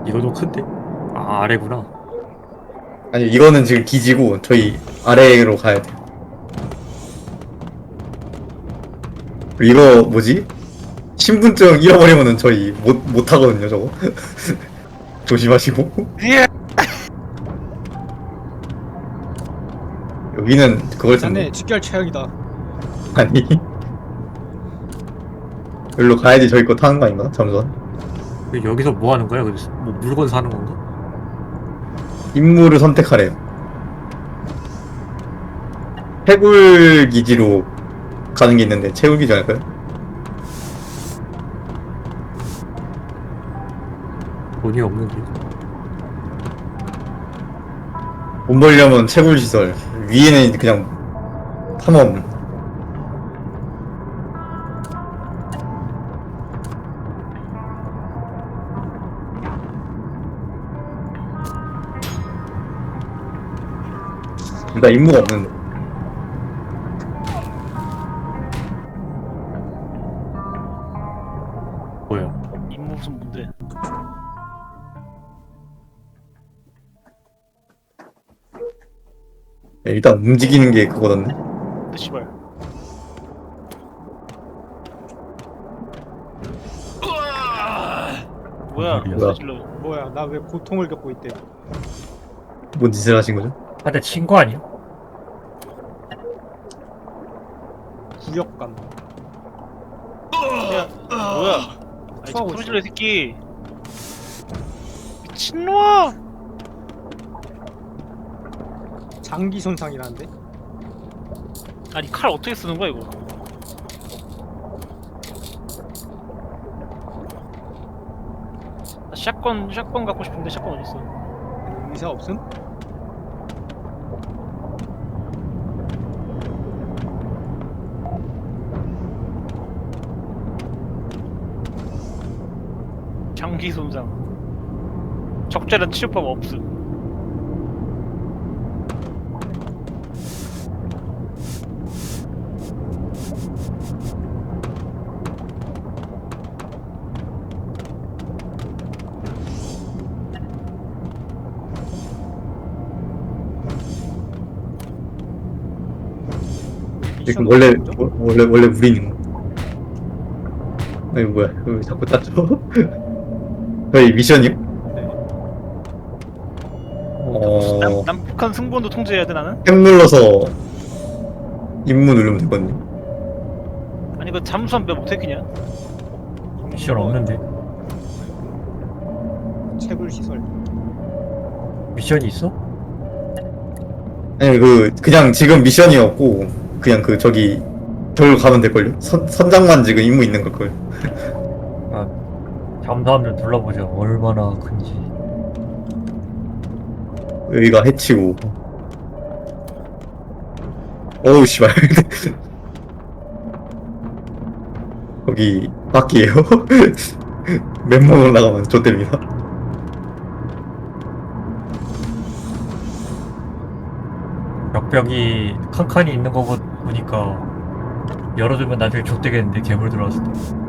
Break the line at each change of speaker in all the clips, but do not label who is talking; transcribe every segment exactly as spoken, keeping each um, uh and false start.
이거도 큰데? 아, 아래구나.
아니 이거는 지금 기지고 저희 아래로 가야 돼. 이거 뭐지? 신분증 잃어버리면은 저희 못 못하거든요 저거. 조심하시고.
예.
여기는 그걸 텐데.
자네 직결 최악이다.
아니 여기로 가야지 저희 거 타는 거 아닌가? 잠시만.
여기서 뭐 하는 거야? 여기서 뭐 물건 사는 건가?
임무를 선택하래요. 채굴 기지로 가는 게 있는데 채굴 기지 아닐까요?
돈이 없는데.
돈 벌려면 채굴 시설, 위에는 그냥 탐험. 나 임무가 없는데.
뭐야?
임무 무슨 뭔데?
일단 움직이는 게 그거던데.
근데 씨발. 뭐야?
뭐야?
무슨 질러?
뭐야, 나 왜 고통을 겪고 있대?
뭔 짓을 하신 거죠?
한대 친거 아니야?
구역감.
야, 뭐야? 아니
토하고
소리 질러 이 새끼. 미친놈아!
장기 손상이라는데?
아니 칼 어떻게 쓰는 거야 이거? 나 샷건 샷건 갖고 싶은데 샷건 어디 있어?
의사 없음?
장기 손상. 적절한 치료법 없음.
지금 원래 워- 원래 원래 우리 있는 거. 아니 뭐야? 왜 자꾸 땄죠? 저희 미션이요?
네.
어.
남, 남북한 승부원도 통제해야 돼 나는?
탭 눌러서 임무 누르면 되거든요.
아니 이거 잠수함 몇 못해 그냥?
미션 없는데.
채굴 시설.
미션이 있어?
아니 그 그냥 지금 미션이었고 그냥 그 저기 저기로 가면 될걸요? 선, 선장만 지금 임무 있는 걸걸.
아, 잠수함 좀 둘러보자. 얼마나 큰지.
여기가 해치고. 어우 씨발. 거기 밖이에요. 맨몸 올라가면 좆됩니다.
벽벽이 칸칸이 있는 거 보- 보니까 열어두면 나중에 족되겠는데 괴물 들어왔을 때.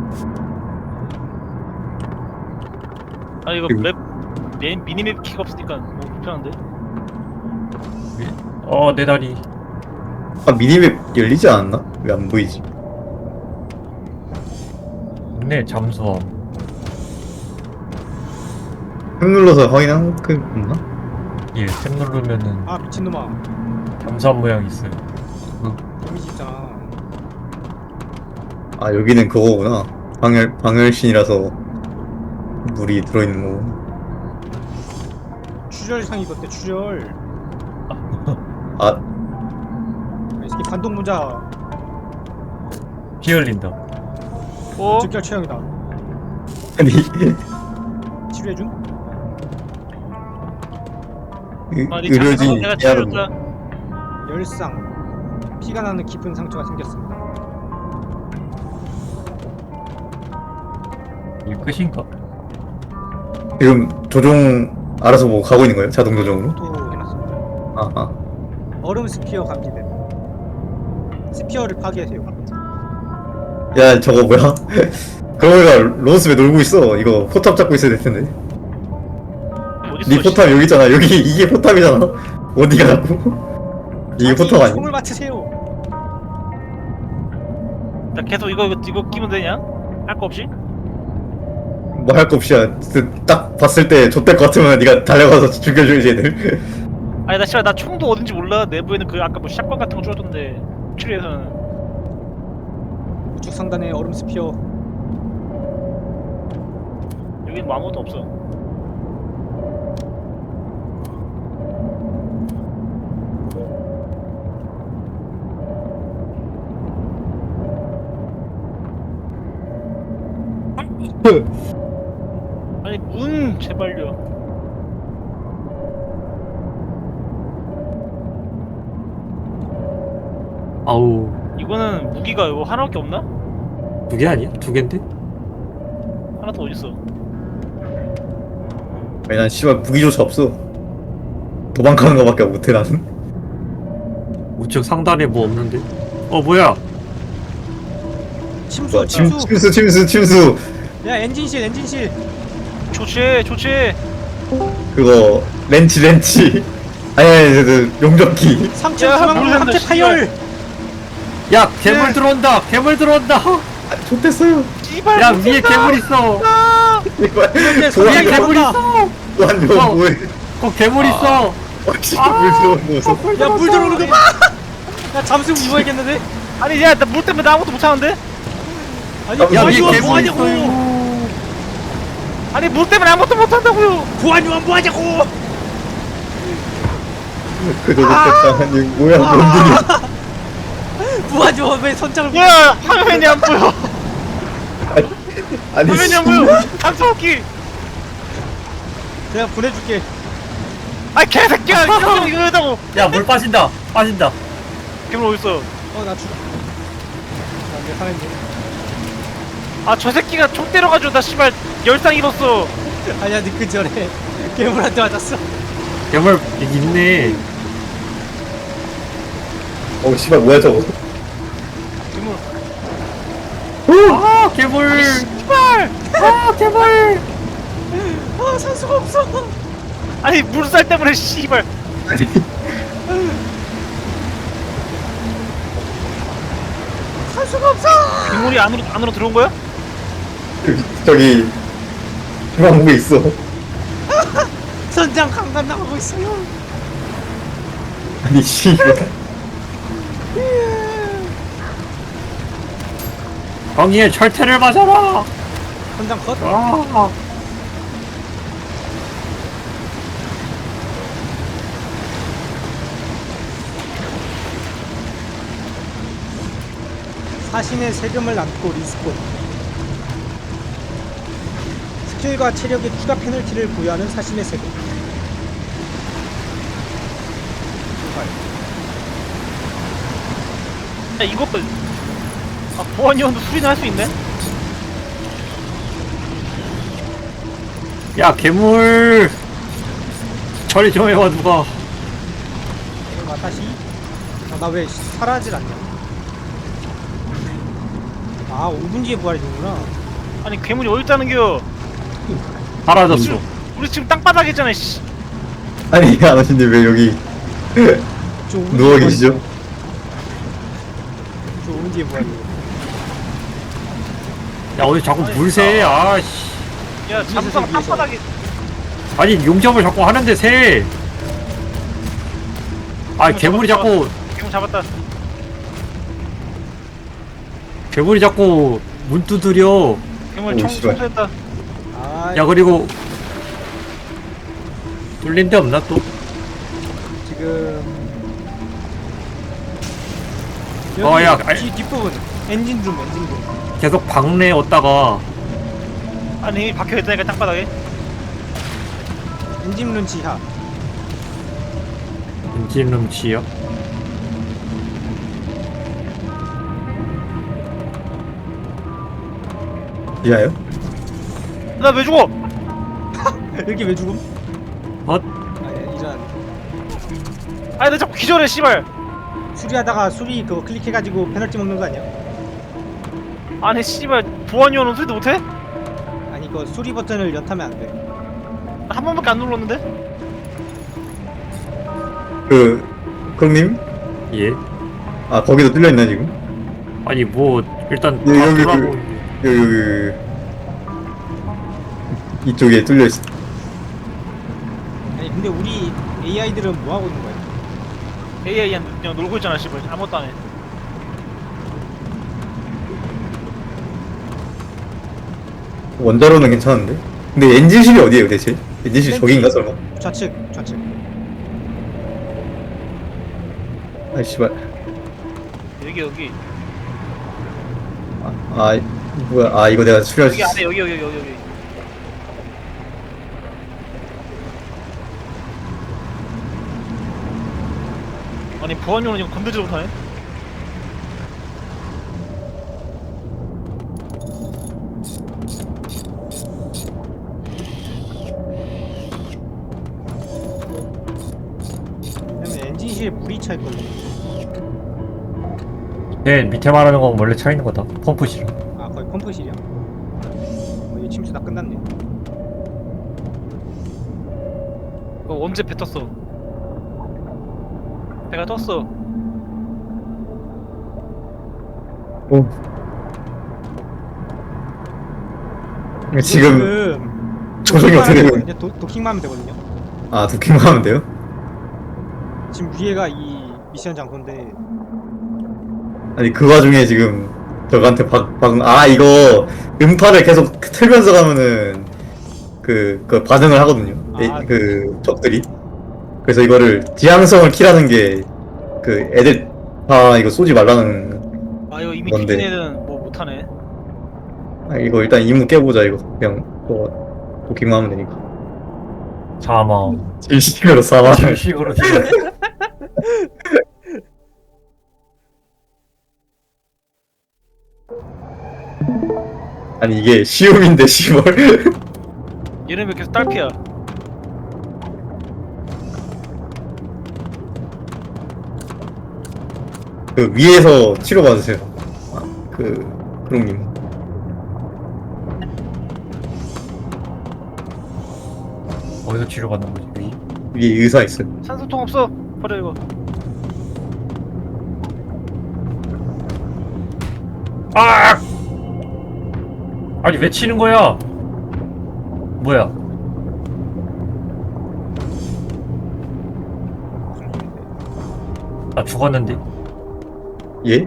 아니 이거
그리고-
맵 미, 미니맵 키가 없으니까 뭐 불편한데?
어, 내 다리.
아 미니맵 열리지 않았나? 왜 안 보이지?
있네, 잠수함.
탭 눌러서 확인한 그 없나?
예, 탭 누르면은
아, 미친놈아.
잠수함 모양 있어요.
데미지 있잖아.
아 여기는 그거구나. 방열 방열신이라서 물이 들어있는 거고.
출혈상이 걷대, 출혈.
아
이 새끼 반동 문자.
피 흘린다.
어?
직결 최악이다.
아니
치료해준?
의-
아니
의료진이
내가
해야 된다.
치료했다.
열상. 피가 나는 깊은 상처가 생겼습니다.
이게 끝인가?
지금 조종 알아서 뭐 가고 있는 거예요? 자동 조종으로?
또 해놨습니다.
아 아.
얼음 스피어 감지됨. 스피어를 파괴하세요.
야 저거 뭐야? 그러니까 로스왜 놀고 있어? 이거 포탑 잡고 있어야 될 텐데.
어딨어?
네 포탑 여기 있잖아. 여기 이게 포탑이잖아. 어디 가라고? 이게 포탑 아니야?
총을 맞추세요.
나 계속 이거 이거, 이거 끼면 되냐? 할 거 없이?
뭐 할 거 없이야. 그 딱 봤을 때 좆될 것 같으면 네가 달려가서 죽여줘야지 얘들.
아니 나 씨발 나 총도 어딘지 몰라. 내부에는 그 아까 뭐 샷건 같은 거 줄었던데 추리에서는.
우측 상단에 얼음 스피어.
여긴 뭐 아무것도 없어. 아니 문 제발요.
아우
이거는 무기가 이거 하나밖에 없나?
두 개 아니야? 두 개인데?
하나 더 어딨어?
아니 난 씨발 무기조차 없어. 도망가는 거밖에 못해 나는.
우측 상단에 뭐 없는데? 어 뭐야?
침수
뭐야, 침,
침수.
침수 침수 침수.
야 엔진실 엔진실.
좋지 좋지.
그거 렌치 렌치. 아니 아니 그 용접기.
삼 층
야,
중앙문
물 샌다,
함재 파열.
야 괴물 들어온다! 괴물 들어온다!
아, 좋댔어요.
씨발
야
못
위에
쓴다.
괴물 있어!
이발
이렇게
위에
소리가
괴물
나온다.
있어!
완전
어.
뭐해?
어 괴물 있어!
어, 씨발 물 들어오는 거.
야물 들어오는 거 봐. 야 잠수고 입어야겠는데?
아니 야 나 물 때문에 나 아무것도 못하는데?
아니
야,
야
보안
위에
요원
괴물
뭐하냐고.
있어!
아니 물 때문에 아무것도 못한다고요.
보안 요원 뭐하냐고.
그거 좋댔다. 아니 뭐야 뭔 일이야?
보안 요원 왜 선장을?
야 화면이 안 보여.
아니
화면이 안
씨.
보여. 단소기.
내가 보내줄게.
아이 개새끼야. 이거 이거 해다고.
야 물 빠진다! 빠진다!
괴물 어딨어?
어나 죽어. 나내 살았네.
아 저 새끼가 총 때려가지고 나 씨발 열상 입었어.
아니야 니그 전에 괴물한테 맞았어.
괴물 있네.
어 씨발 뭐야 저거?
괴물.
아 괴물!
씨발.
아 괴물!
아 산수가 없어.
아니 물살 때문에 씨발.
아니
산수가 없어.
괴물이 안으로 안으로 들어온 거야?
그, 저기 중앙국에 있어.
선장 강간 나가고 있어요.
아니 씨발.
거기에 철퇴를 맞아라!
선장 컷.
아
사신의 세금을 남고 리스폰. 스킬과 체력에 추가 페널티를 부여하는 사신의 세금.
야 이거 봐. 아 보안요원도 수리는 할 수 있네?
야 괴물! 처리 좀 해봐 누가.
아 다시. 아, 나 왜 사라질 않냐? 아 오 분 뒤에 부활이 되는구나.
아니 괴물이 어딨다는겨?
사라졌어.
우리 지금 땅바닥에 있잖아 씨.
아니 아저씨님 왜 여기
저 오 분
누워
뒤에
계시죠?
저 오 분 뒤에 부활이.
야 어디 자꾸 물새? 아씨.
야 잠수함
위에서, 위에서.
땅바닥에.
아니 용접을 자꾸 하는데 새. 아 괴물이 자꾸
괴물 잡았다.
괴물이 자꾸 문 두드려.
괴물
오,
청
씨발.
청소했다.
아
야 그리고 뚫린 데 없나 또?
지금
어, 야,
여기
아니-
뒤 뒷부분 엔진룸 엔진룸.
계속 방내 얻다가
아니 이미 박혀 있다니까 땅바닥에.
엔진룸 지하.
엔진룸 지역.
이하요?
나 왜 죽어?
여기 왜 죽음?
어?
아 이런.
아니 나 자꾸 기절해 씨발.
수리하다가 수리 그거 클릭해가지고 페널티 먹는 거 아니야?
아니 씨발 보안요원은 수리도 못해?
아니 그 수리 버튼을 연타면 안 돼.
한 번밖에 안 눌렀는데?
그 크롱님?
예?
아 거기도 뚫려 있나 지금?
아니 뭐 일단
예,
다
여기,
돌아보고
여기.
있는데.
여기 여기 여기. 이쪽에 뚫려 있어.
아니 근데 우리 에이아이들은 뭐 하고 있는 거야?
에이아이한테 그냥 놀고 있잖아 씨발 아무것도 안해.
원자로는 괜찮은데? 근데 엔진실이 어디에요 대체? 엔진실 저기인가 설마?
좌측 좌측.
아이 씨발.
여기 여기
아, 아 뭐야? 아 이거 내가 수리할 수
여기
있어.
안에 여기 여기 여기 여기. 아니 보안용은 이거 건들지도 못하네.
그러면 엔진실에 물이 차 있거든.
네 밑에 말하는 건 원래 차 있는 거다. 펌프실.
아 거기 펌프실이야? 어, 이 침수 다 끝났네.
그거 언제 배 떴어? 배가 떴어.
오. 지금 조정이 어떻게 되고 있-
되거든요? 도, 도킹만 하면 되거든요.
아 도킹만 하면 돼요?
지금 위에가 이 미션 장소인데
아니 그 와중에 지금 저한테 박, 박, 아 이거 음파를 계속 틀면서 가면은 그, 그 반응을 하거든요. 에,
아.
그 적들이. 그래서 이거를 지향성을 키라는 게 그 애들 다 이거 쏘지 말라는.
아 이거 이미
뭔데?
뒤진 애는 뭐 못하네.
아 이거 일단 임무 깨보자 이거. 그냥 뭐 도킹만 하면 되니까.
사망.
질식으로 사망.
실식으로
아니 이게 시음인데 시월.
얘는 왜 계속 딸피야?
그 위에서 치료받으세요. 아, 그 크롱님.
어디서 치료받는 거지? 위?
위에 의사 있어요.
산소통 없어. 버려 이거.
아! 아니 왜 치는 거야? 뭐야?
무슨 소리인데?
나 죽었는데?
예?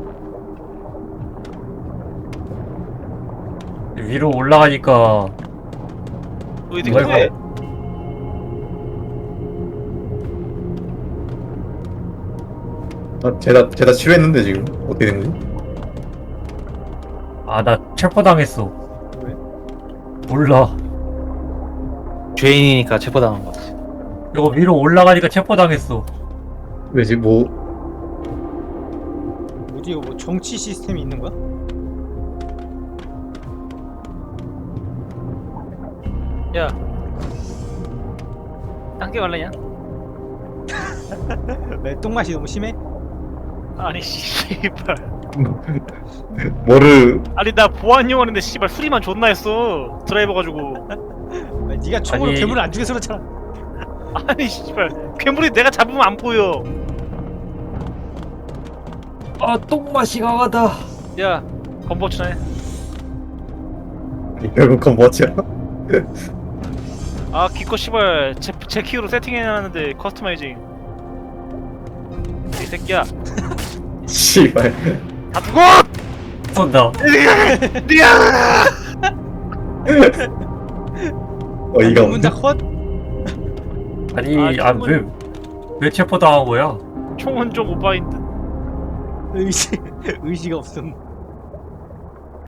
위로 올라가니까
너 이제
뭐야,
해.
이거?
아, 제가 제가 치료했는데 지금 어떻게 된 거지?
아 나 체포당했어.
왜?
몰라.
죄인이니까 체포당한 것 같아.
이거 위로 올라가니까 체포당했어.
왜지? 뭐
뭐지 이거 뭐 정치 시스템이 있는 거야?
야. 땅게 갈래냐?
왜 똥맛이 너무 심해?
아니 씨발.
뭐를
아니 나 보안용 하는데 씨발 수리만 존나 했어. 드라이버 가지고.
왜 네가 총으로
아니-
괴물을 안 죽여서 그렇잖아.
아니 씨발 괴물이 내가 잡으면 안 보여.
아 똥맛이 강하다.
야 건버치나 해.
결국 그건 뭐지야?
아 기껏 씨발 제, 제 키로 세팅해놨는데 커스터마이징. 이 새끼야
씨발.
다 죽어!
쏜다.
니야!
어이가 없네.
문자 컷?
아니
아,
아왜왜 왜 체포당한 거야?
총은 좀 오바인 듯.
의식 의식 없음.